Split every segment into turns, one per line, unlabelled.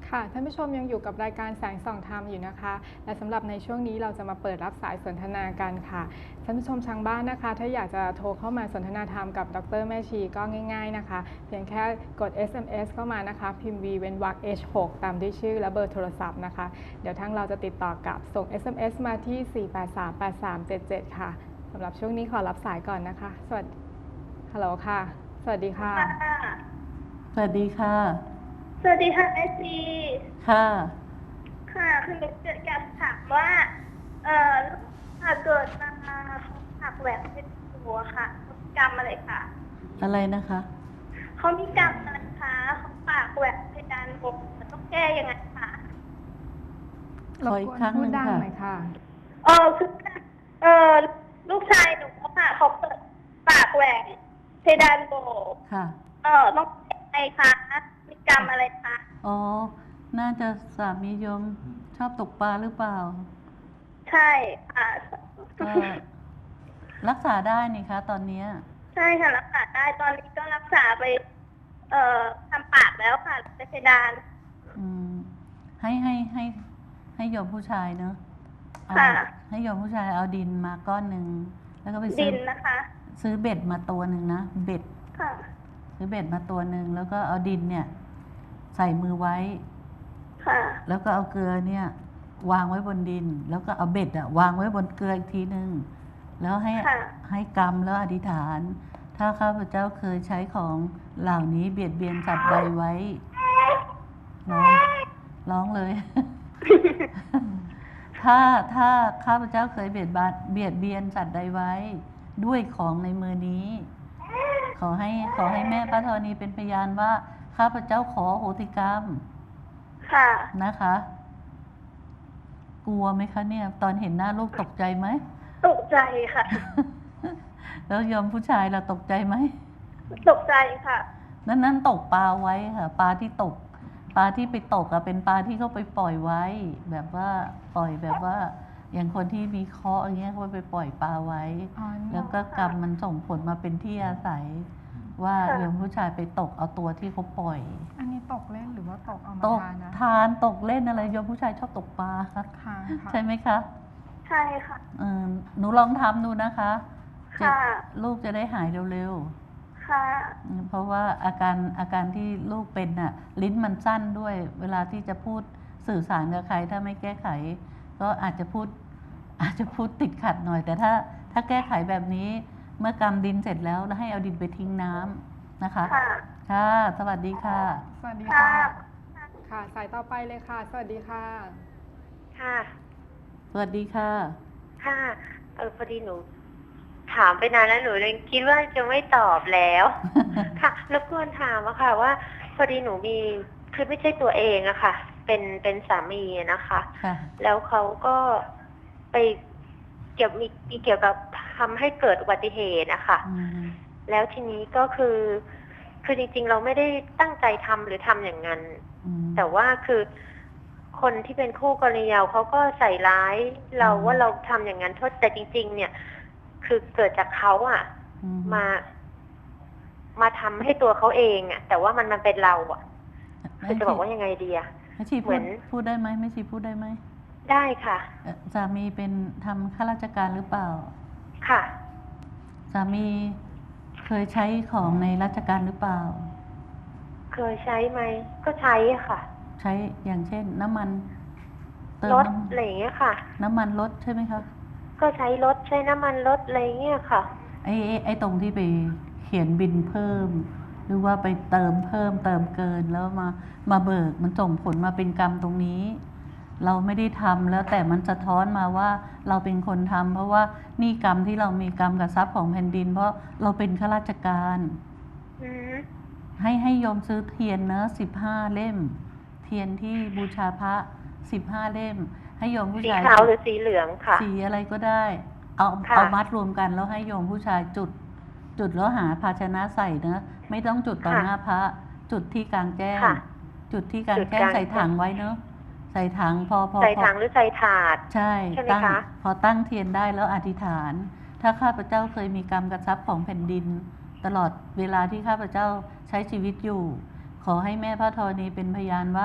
ค่ะท่านผู้ชมยังอยู่กับรายการแสงส่องธรรมอยู่นะคะและสำหรับในช่วงนี้เราจะมาเปิดรับสายสนทนากันค่ะท่านผู้ชมทางบ้านนะคะถ้าอยากจะโทรเข้ามาสนทนาธรรมกับดร.แม่ชีก็ง่ายๆนะคะเพียงแค่กด SMS เข้ามานะคะพิมพ์ V เว้นวรรค H6 ตามด้วยชื่อและเบอร์โทรศัพท์นะคะเดี๋ยวทางเราจะติดต่อกับส่ง SMS มาที่ 4838377 ค่ะสำหรับช่วงนี้ขอรับสายก่อนนะคะสวัสดีฮัลโหลค่ะสวัสดีค่ะ
สวัสดีค่ะ
สวัสดีค่ะแม่ชี
ค่ะ
ค่ะคือเกิดการถามว่าถ้าเกิดมาเขาหักแหวนเป็นหัวค่ะเขามีกรรมอะไรคะ
อะไรนะคะ
เขามีกรรมอะไรคะเขาปากแหวนเพดานโหวมันต้องแก้ยังไงคะ
ขออีกครั้งหนึ่ง
ค่ะ
คือลูกชายหนูค่ะเขาเปิดปากแหวนเพดานโหว
ค่ะ
ต้องแก้ยังไงคะมีกรรมอะไรคะ
อ๋อน่าจะสามีโยมชอบตกปลาหรือเปล่า
ใช่ค่ะ
ก็รักษาได้นี่คะตอนนี้
ใช่ค่ะรักษาได้ตอนนี้ก็รักษาไปทำปากแล้วค่ะเพดาน
ให้โยมผู้ชายเนอะให้โยมผู้ชายเอาดินมาก้อนหนึ่งแล้วก็ไป
ดินนะคะ
ซื้อเบ็ดมาตัวหนึ่งนะเบ็ด
ค่ะ
ซื้อเบ็ดมาตัวหนึ่งแล้วก็เอาดินเนี่ยใส่มือไว้
ค่ะ
แล้วก็เอาเกลือเนี่ยวางไว้บนดินแล้วก็เอาเบ็ดวางไว้บนเกลืออีกทีหนึ่งแล้วให้กำแล้วอธิษฐานถ้าข้าพเจ้าเคยใช้ของเหล่านี้เบียดเบียนสัตว์ใดไว้ร้องเลย ถ้าข้าพเจ้าเคยเบียดเบียนสัตว์ใดไว้ด้วยของในมือนี้ ขอให้แม่พระธรณีเป็นพยานว่าข้าพเจ้าขอโหสิกรรม
ค่ะ
นะคะ กลัวไหมคะเนี่ยตอนเห็นหน้าลูกตกใจไหม
ตกใจค่ะ
แล้วยอมผู้ชายเราตกใจไหม
ตกใจค่ะ
นั่นตกปลาไว้ค่ะปลาที่ไปตกเป็นปลาที่เขาไปปล่อยไว้แบบว่าปล่อยแบบว่าอย่างคนที่มีเคราะห์อย่างเงี้ยเขาไปปล่อยปลาไว้แล้วก็กรรมมันส่งผลมาเป็นที่อาศัยว่าโยมผู้ชายไปตกเอาตัวที่เขาปล่อย
อันนี้ตกเล่นหรือว่าตกเอามาทานนะ
ทานตกเล่นอะไรโยมผู้ชายชอบตกปลาค่ะใช่ไหมคะ
ใช่ค่ะ
หนูลองทำดูนะคะ
ค่ะ
ลูกจะได้หายเร็วๆ
ค่ะ
เพราะว่าอาการที่ลูกเป็นน่ะลิ้นมันสั้นด้วยเวลาที่จะพูดสื่อสารกับใครถ้าไม่แก้ไขก็อาจจะพูดติดขัดหน่อยแต่ถ้าแก้ไขแบบนี้เมื่อกำดินเสร็จแล้วให้เอาดินไปทิ้งน้ำนะคะค่ะสวัสดีค่ะ
สวัสดีค่ะค่ะสายต่อไปเลยค่ะสวัสดีค่ะ
ค่ะ
สวัสดีค่ะ
ค่ะพอดีหนูถามไปนานแล้วหนูเลยคิดว่าจะไม่ตอบแล้วค่ะรบกวนถามอะค่ะว่าพอดีหนูมีคือไม่ใช่ตัวเองอะค่ะเป็นสามีนะคะแล้วเขาก็ไปเกี่ยวกับทำให้เกิดอุบัติเหตุนะคะแล้วทีนี้ก็คือจริงๆเราไม่ได้ตั้งใจทำหรือทำอย่างนั้นแต่ว่าคือคนที่เป็นคู่กรณีเขาก็ใส่ร้ายเราว่าเราทำอย่างนั้นแต่จริงๆเนี่ยคือเกิดจากเขาอ่ะมาทำให้ตัวเขาเองอ่ะแต่ว่ามันเป็นเราอ่ะคือจะบอกว่ายังไงดีอ่ะ
เหมือนพูดได้ไหมไม่ชีพูดได้ไหม
ได้ค่ะ
สามีเป็นทำข้าราชการหรือเปล่า
ค่ะ
สามีเคยใช้ของในราชการหรือเปล่า
เคยใช้ไหมก็ใช้ค่ะ
ใช้อย่างเช่นน้ำมัน
รถอะไรอย่างเงี้ยค่ะ
น้ำมันรถใช่ไหมคะ
ก็ใช้รถใช้น้ำมันรถอะไรเงี้ยค่ะ
ไอ้ตรงที่ไปเขียนบินเพิ่มหรือว่าไปเติมเพิ่มเติมเกินแล้วมาเบิกมันส่งผลมาเป็นกรรมตรงนี้เราไม่ได้ทำแล้วแต่มันสะท้อนมาว่าเราเป็นคนทำเพราะว่านี่กรรมที่เรามีกรรมกับทรัพย์ของแผ่นดินเพราะเราเป็นข้าราชการให้โยมซื้อเทียนเนอะ15 เล่มเทียนที่บูชาพระ15 เล่มให้โยมผู้ชาย
สีขาวหรือสีเหลืองค่ะ
สีอะไรก็ได้เอามัดรวมกันแล้วให้โยมผู้ชายจุดแล้วหาภาชนะใส่นะไม่ต้องจุดต่อหน้าพระจุดที่กลางแจ้งจุดที่กลางแจ้งใส่ถังไว้เนอะใส่ถังพอ
ใส่ถังหรือใส่ถาด
ใช่พอตั้งเทียนได้แล้วอธิษฐานถ้าข้าพเจ้าเคยมีกรรมกับทรัพย์ของแผ่นดินตลอดเวลาที่ข้าพเจ้าใช้ชีวิตอยู่ขอให้แม่พระธรณีเป็นพยานว่า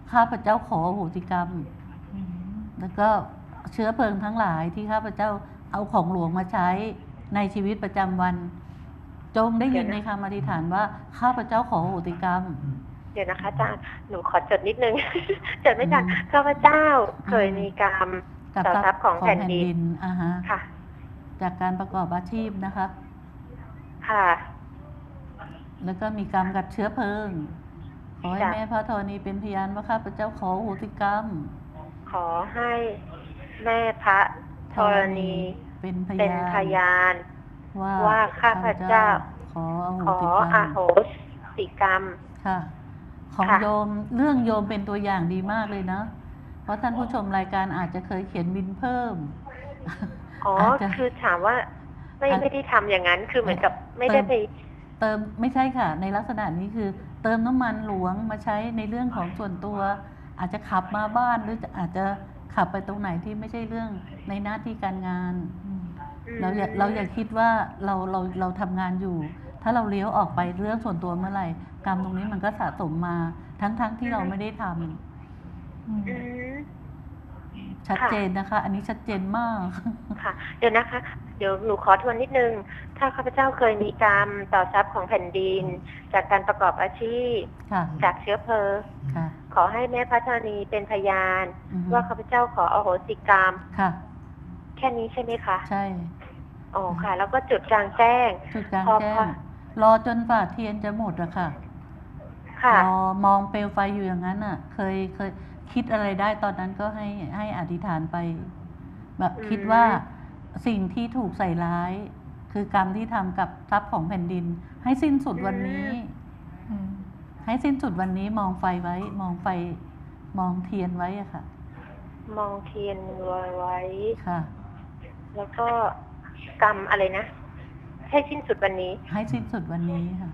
ข้าพเจ้าขออโหสิกรรม
อืม
แล้วก็เชื้อเพลิงทั้งหลายที่ข้าพเจ้าเอาของหลวงมาใช้ในชีวิตประจำวัน จงได้ยินในคำอธิษฐานว่าข้าพเจ้าขออโหสิกรรม
เดี๋ยวนะคะอาจารย์หนูขอจดนิดนึง จดไม่ทันข้าพเจ้าเคยมีกรรม
กับ
ต่อทรัพย์ของแผ่นดิน
อ่าฮะ
ค่ะ
จากการประกอบอาชีพนะคะ
ค่ะ
แล้วก็มีกรรมกับเชื้อเพลิง ขอให้
จ้ะ
แม่พระธรณีเป็นพยานว่าข้าพเจ้าขออโหสิกรรม
ขอให้แม่พระธรณี
เป็นพ
เป็น
ยาน
พยาน
ว่า
ข้าพเจ้า
ขออโห
ขอ
สิกร
อ
รม
โหสิกรรม
ค่ะ ของ
ค่ะ
โยมเรื่องโยมเป็นตัวอย่างดีมากเลยนะ เพราะท่านผู้ชมรายการอาจจะเคยเขียนบินเพิ่ม
อ๋อ
อาจจะ
คือถามว่าไม่
อาจ
ไม่ได้ทำอย่างนั้น คือเหมือนกับไม่ได้ไป
เติมไม่ใช่ค่ะ ในลักษณะนี้คือ เติมน้ำมันหลวงมาใช้ในเรื่องของส่วนตัว อาจจะขับมาบ้านหรืออาจจะขับไปตรงไหนที่ไม่ใช่เรื่องในหน้าที่การงาน เราอย่าคิดว่าเราทำงานอยู่ ถ้าเราเลี้ยวออกไปเรื่องส่วนตัวเมื่อไหร่กรรมตรงนี้มันก็สะสมมาทั้งที่เราไม่ได้ทำ
อืม
อืม
ชัดเจนนะคะ อันนี้ชัดเจนมาก
ค่ะ เดี๋ยวนะคะ เดี๋ยวหนูขอทวนนิดนึง ถ้าข้าพเจ้าเคยมีกรรมต่อทรัพย์ของแผ่นดิน จากการประกอบอาชีพ
ค่ะ
จากเชื้อเพลิง
ค่ะ
ขอให้แม่พระธรณีเป็นพยาน
อือฮึ
ว่าข้าพเจ้าขออโหสิกรรม
ค่ะ
แค่นี้ใช่ไหมคะ
ใช่
อ๋อค่ะ แล้วก็จุดกลางแจ้ง
จุดกลาง
พอ
แจ้
พอ
ง รอจนฝ่าเทียนจะหมดอะค่ะ
ค่ะ
รอมองเปลวไฟอยู่อย่างนั้นอะเคยคิดอะไรได้ตอนนั้นก็ให้อธิษฐานไป แบบ
อืม
คิดว่าสิ่งที่ถูกใส่ร้าย คือกรรมที่ทำกับทรัพย์ของแผ่นดิน ให้สิ้นสุดวันนี้
อืม
ให้สิ้นสุดวันนี้มองไฟไว้ มองไฟ มองเทียนไว้อะค่ะ
มองเทียนไว้
ค่ะ
แล้วก็กรรมอะไรนะ ให้สิ้นสุดวันนี้
ให้สิ้นสุดวันนี้ค่ะ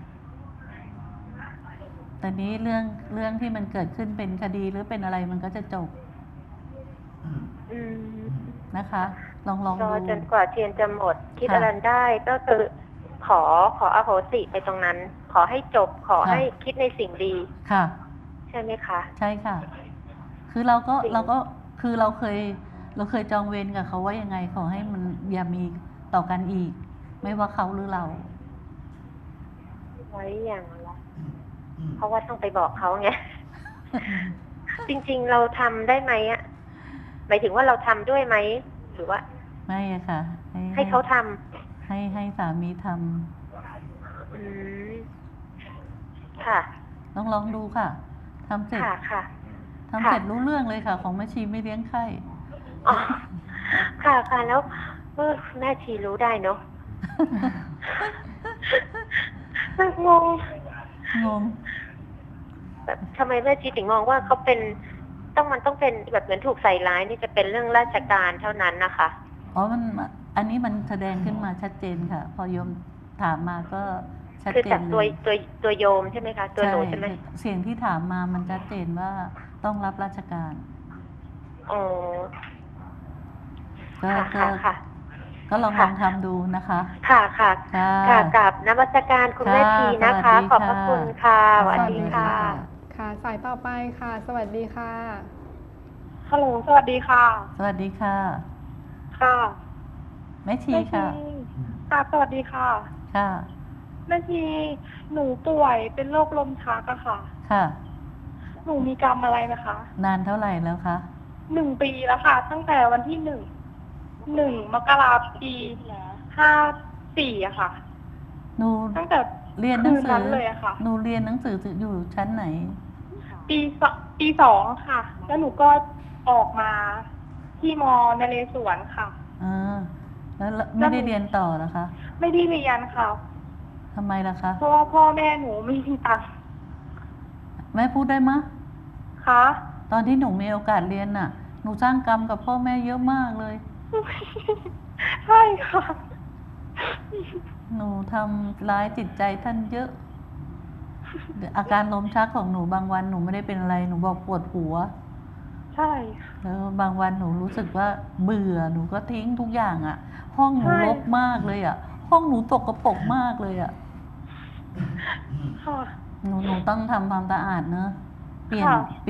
แต่นี้เรื่องที่มันเกิดขึ้นเป็นคดีหรือเป็นอะไรมันก็จะจบ
อืม
นะคะ ลอง
รอ
ดู
จนกว่าเทียนจะหมด คิด
ค่ะ
อะไรได้ก็คือขออโหสิไปตรงนั้น ขอให้จบ ขอ
ค่ะ
ให้คิดในสิ่งดี
ค่ะ
ใช่ไหมคะ
ใช่ค่ะ คือเราก็
จริง
คือเราเคยจองเวรกับเขาว่ายังไง ขอให้มันอย่ามีต่อกันอีก ไม่ว่าเขาหรือเรา
ไว้อย่างละเพราะว่าต้องไปบอกเขาไง จริงๆเราทำได้ไหมอะหมายถึงว่าเราทำด้วยไหม หรือว่า
ไม่อะค่ะ
ให้เขาท
ให้สามีท
ำอืมค่ะ
ำลองดูค่ะทำเสร็จ
ค่ะค่ะ
ทำเสร็จรู้เรื่องเลยค่ะ ของแม่ชีไม่เลี้ยงไข้
อ๋อค่ะค่ะแล้วแม่ชีรู้ได้เนาะ งง
งง
แบบทำไมแม่ชีถึงมองว่าเขาเป็นมันต้องเป็นแบบเหมือนถูกใส่ร้ายนี่จะเป็นเรื่องราชการเท่านั้นนะคะ
อ๋ออันนี้มันแสดงขึ้นมาชัดเจนค่ะ พอโยมถามมาก็ชัด
คือ
เจ
จาก
น
ตัว
เลย
ตัวโยมใช่ไหมคะ ตัวหนูใช่ไหม
เสียงที่ถามมามันชัดเจนว่าต้องรับราชการ
อ๋อ
ก็
ค่ะค่ะ
ก็ลอง
ค่ะ
ทำดูนะคะ
ค่ะค่ะ
ค่ะ
ค่ะกับนมัสการคุณแม่ชีนะคะ
ค่ะ
ขอบพระคุณค่ะส
สวั
วัส
สดี
ดี
ค่ะ
ค่ะ
ค่ะ สายต่อไปค่ะ สวัสดีค่ะ
ฮัลโหล สวัสดีค่ะ
สวัสดีค่ะ
ค่ะ
แม่ชีค่ะ
ค่ะ สวัสดีค่ะ
ค่ะ
แม่ชี หนูป่วยเป็นโรคลมชักอะค่ะ
ค่ะ
หนูมีกรรมอะไรนะคะ
นานเท่าไหร่แล้วคะ
1 ปีแล้วค่ะ ตั้งแต่วันที่1 มกราคมปี54อะค่ะ
หนู
ตั้งแต่
เรียนหนังสื
คืนนั้นเลยอะค่ะ
หนูเรียนหนังสืออยู่ชั้นไหน
ปีสองค่ะ แล้วหนูก็ออกมาที่มนเรศวรค่ะ
แล้วไม่ได้เรียนต่อเหรอคะ
ไม่ได้เรียนค่ะ
ทำไมล่ะคะ
เพราะว่าพ่อแม่หนูไม่มีตังค์
แม่พูดได้มะ
ค่ะ
ตอนที่หนูมีโอกาสเรียนน่ะ หนูสร้างกรรมกับพ่อแม่เยอะมากเลย
ใช่ค่ะ
หนูทำร้ายจิตใจท่านเยอะ อาการลมชักของหนูบางวันหนูไม่ได้เป็นอะไร หนูบอกปวดหัว
ใช่
แล้วบางวันหนูรู้สึกว่าเบื่อ หนูก็ทิ้งทุกอย่างอะ่ะ ห้องหนูรกมากเลยอะ่ะ ห้องหนูตกกระปรกมากเลยอะ่ะ
ค่ะ
หนูต้องทำความสะอาดเนอะเปลี่ยน
ค่ะ
เปรียบ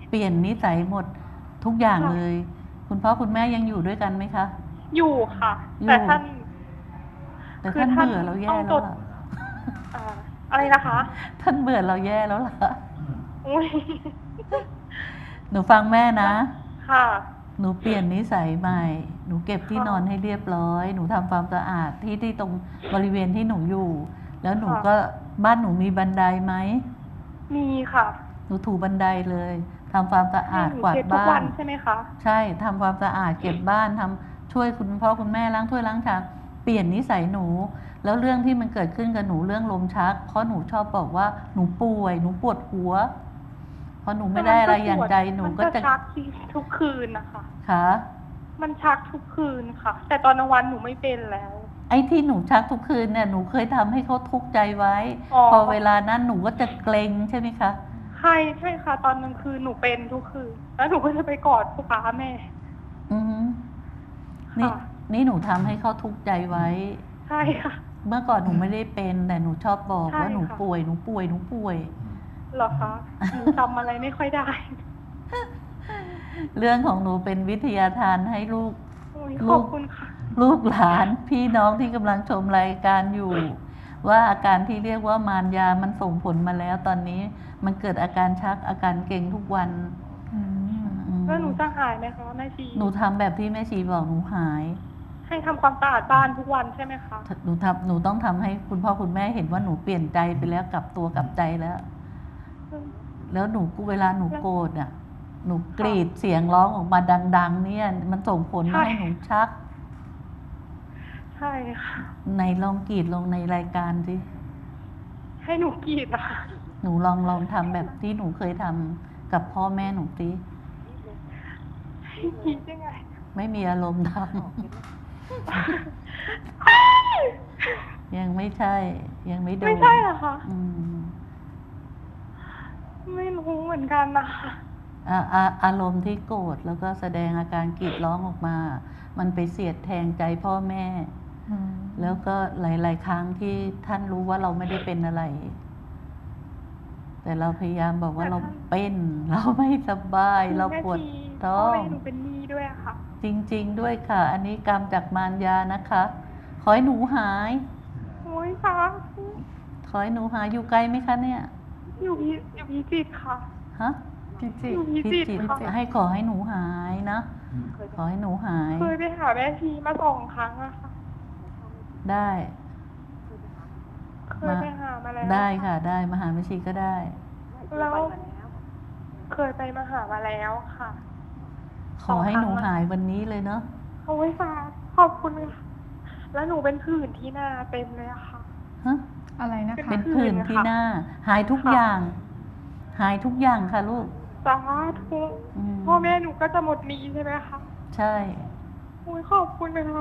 เปลี่ยนนิสัยหมดทุกอย่าง
ค่ะ
เลย คุณพ่อคุณแม่ยังอยู่ด้วยกันไหมคะ
อยู่ค่ะ
อยู่
แต่ท่าน
แต่
คือ
ท่าน
ท่าน
เบื่อเราแย่
ต้อง
แล้ว
จด
ล่ะ
อะไรนะคะ
ท่านเบื่อเราแย่แล้วล่ะ
อุ้ย
หนูฟังแม่นะ
ค่ะ
หนูเปลี่ยนนิสัยใหม่ หนูเก็บที่
ค่ะ
นอนให้เรียบร้อย หนูทำความสะอาดที่ตรงบริเวณที่หนูอยู่ แล้วหนู
ค่ะ
ก็บ้านหนูมีบันไดไหม
มีค่ะ
หนูถูบันไดเลยทำความสะอาด
ให้หนู
กวาด
เช็ดทุก
บ้า
วัน นใช่ไหมคะ
ใช่ทำความสะอาดเก็บบ้านทำช่วยคุณพ่อคุณแม่ล้างถ้วยล้างชามเปลี่ยนนิสัยหนู แล้วเรื่องที่มันเกิดขึ้นกับหนูเรื่องลมชัก เพราะหนูชอบบอกว่าหนูป่วยหนูปวดหัวพอหนูไม่ได้อะไรอย่างใจหนูก็
มัน
จะ
ชักทุกคืนนะคะ
ค่ะ
มันชักทุกคืนค่ะ แต่ตอนกลางวันหนูไม่เป็นแล้ว
ไอ้ที่หนูชักทุกคืนเนี่ยหนูเคยทำให้เขาทุกข์ใจไว้
อ๋อ
พอเวลานั้นหนูก็จะเกรงใช่ไหมคะ
ใช่ค่ะ ตอนกลางคืนหนูเป็นทุกคืน แล้วหนูก็จะไปกอดพ่อป้าแม่
อือฮึนี่
ค่ะ
นี่หนูทำให้เขาทุกข์ใจไว้
ใช่ค่ะ
เมื่อก่อนหนูไม่ได้เป็นแต่หนูชอบบอก
ใช่
ว่าหนู
ค่ะ
ป่วยหนูป่วยหนูป่วย
เหรอคะหนูจำอะไรไม่ค่อยได้
เรื่องของหนูเป็นวิทยาทานให้ลูก
โอ้ย
ลู
ข
ก
อบคุณค่ะ
ลูกหลานพี่น้องที่กำลังชมรายการอยู่ ว่าอาการที่เรียกว่ามารยามันส่งผลมาแล้ว ตอนนี้มันเกิดอาการชักอาการเกร็งทุกวัน
อืม
อืม
แล้วหนูจะหายไหมคะแม่ชี
หนูทำแบบที่แม่ชีบอกหนูหาย
ให้ทำความสะอาดบ้านทุกวันใช่ไหมคะ
หนูต้องทำให้คุณพ่อคุณแม่เห็นว่าหนูเปลี่ยนใจไปแล้วกลับตัวกลับใจแล้ว แล้วหนูเวลาหนูโกรธอ่ะ หนูกรีดเสียงร้องออกมาดัง ๆ เนี่ย มันส่งผลมาให้หนูชัก
ใช่ค่ะ
ในลองกรีดลงในรายการสิ
ให้หนูกรีดนะคะ
หนูลองทำแบบที่หนูเคยทำกับพ่อแม่หนูสิ
ให้กรีดยังไง
ไม่มีอารมณ์ทำ ยังไม่ใช่ ยังไม่โดน
ไม่ใช่เหรอคะ
อืม
ไม่รู้เหมือนกันนะคะ
อารมณ์ที่โกรธแล้วก็แสดงอาการกรีดร้องออกมา มันไปเสียดแทงใจพ่อแม่
อืม
แล้วก็หลาย ๆ ครั้งที่ท่านรู้ว่าเราไม่ได้เป็นอะไร แต่เราพยายามบอกว่าเราเป็น เราไม่สบาย เราปวด
แม่ชี
ท้อ
พ่
ง
แม่หนูเป็นหนี้ด้วยอะค่ะ
จริง ๆ ด้วยค่ะ อันนี้กรรมจากมารยานะคะ ขอให้หนูหาย
โอ้ยค่ะ
ขอให้หนูหายอยู่ไกลไหมคะเนี่ย
อยู่พิจิตรค่ะ
ฮะ
พิจิต
อยู่
ร
พิจิตร
จิต
ค่ะ
ให้ขอให้หนูหายนะ ขอให้หนูหาย
เคยไปหาแม่ชีมา2 ครั้งอะค่ะ
ได้
เคยไปหามาแล้ว
ได้ค่ะ ได้มหาวิชีก็ได้
แล้วเคยไปมาหามาแล้วค่ะ
ขอให้หนูหายวันนี้เลยเนาะ
โอ้ยค่ะขอบคุณค่ะ แล้วหนูเป็นผื่นที่หน้าเต็มเลยอะค่ะ
ฮะ
อะไรนะ
เป็
คะ
นผื่นที่หน้า หายทุก
ค่ะ
อย่าง หายทุกอย่างค่ะลูก
สาธุ
อืม
พ่อแม่หนูก็จะหมดหนี้ใช่ไหมคะ
ใช่
โอ้ยขอบคุณนะคะ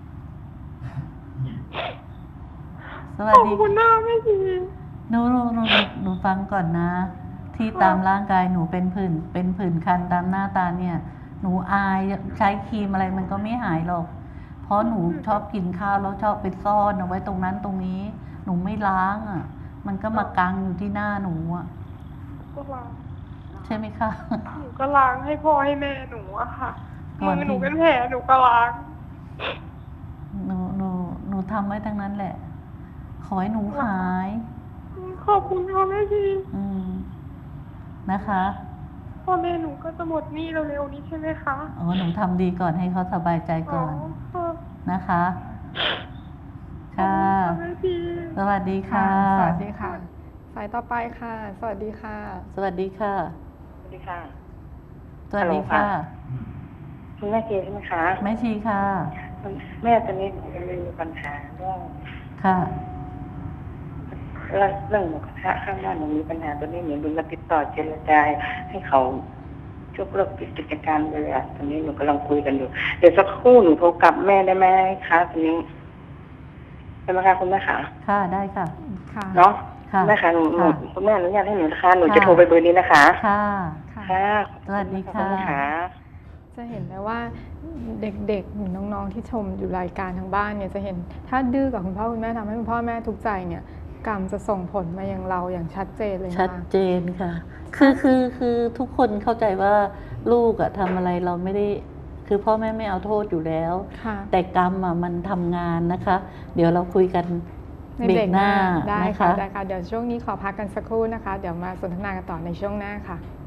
สวั
ข
ส
อบ
ดี
คุณนะแม่ชี
หนูฟังก่อนนะ ที่ตามร่างกายหนูเป็นผื่นคันตามหน้าตาเนี่ย หนูอายใช้ครีมอะไรมันก็ไม่หายหรอก เพราะหนูชอบกินข้าวแล้วชอบไปซ่อนเอาไว้ตรงนั้นตรงนี้ หนูไม่ล้างอ่ะ มันก็มากังอยู่ที่หน้าหนูอ่ะ
ก็ล้าง
ใช่ไหมคะ
หนูก็ล้างให้พ่อให้แม่หนูอะค่ะ
ก่
มื
อน
อ
ที่
หนูเป็นแผลหนูก็ล้าง
หนูทำไว้ทั้งนั้นแหละ ขอให้หนูหาย
ขอบคุณค่ะแม่ชี
อืมนะคะ
พ่อแม่หนูก็จะหมดหนี้เร็วๆนี้ใช่ไหมคะ
อ๋อหนูทำดีก่อนให้เขาสบายใจก่อน
ค่ะ
นะคะ ค่ะ
ขอบคุณค่ะแม่ชี
สวัสดีค่ะ
สวัสดีค่ะ สายต่อไปค่ะ สวัสดีค่ะ
สวัสดีค่ะ
สวัสดีค่ะ
สวัสดีค่ะ
คุณแม่เกใช่ไหมคะ
แม่ชีค่ะ
แม่ตอนนี้มีปัญหาเรื่อง
ค่ะ
เรื่องหมูกระทะข้างบ้านหนูมีปัญหาตอนนี้หนูดูมาติดต่อเจรจาให้เขายกเลิกกิจการไปเลยอะตอนนี้หนูกำลังคุยกันอยู่ เดี๋ยวสักครู่หนูโทรกลับแม่ได้ไหมคะตอนนี้ได้ไหมคะคุณแม่คะ
ค่ะได้ค่ะ
ค่ะ
เนาะ
ค่ะ
แม่คะหนู
ค่ะ
คุณแม่อนุญาตให้หนูนะคะหนู
ค่ะ
จะโทรไปเบอร์นี้นะคะ
ค่ะ
ค่ะ
ค่ะ
สวัสดีค่ะ
ณแม่คะ
จะเห็นได้ว่าเด็กๆหรือน้องๆที่ชมอยู่รายการทางบ้านเนี่ยจะเห็นถ้าดื้อกับคุณพ่อคุณแม่ทำให้คุณพ่อแม่ทุกข์ใจเนี่ยกรรมจะส่งผลมาอย่างเราอย่างชัดเจนเลยนะ
ชัด
คะ
เจนค่ะ คือทุกคนเข้าใจว่าลูกอะทำอะไรเราไม่ได้ คือพ่อแม่ไม่เอาโทษอยู่แล้ว
ค่ะ
แต่กรรมอะมันทำงานนะคะ เดี๋ยวเราคุยกัน
ใน
เบร
เบร
ก
ก
ห
ห
น้า
น้าได้
นะ
ค่ะ
คะ
ได้ค่ะ เดี๋ยวช่วงนี้ขอพักกันสักครู่นะคะ เดี๋ยวมาสนทนากันต่อในช่วงหน้าค่ะ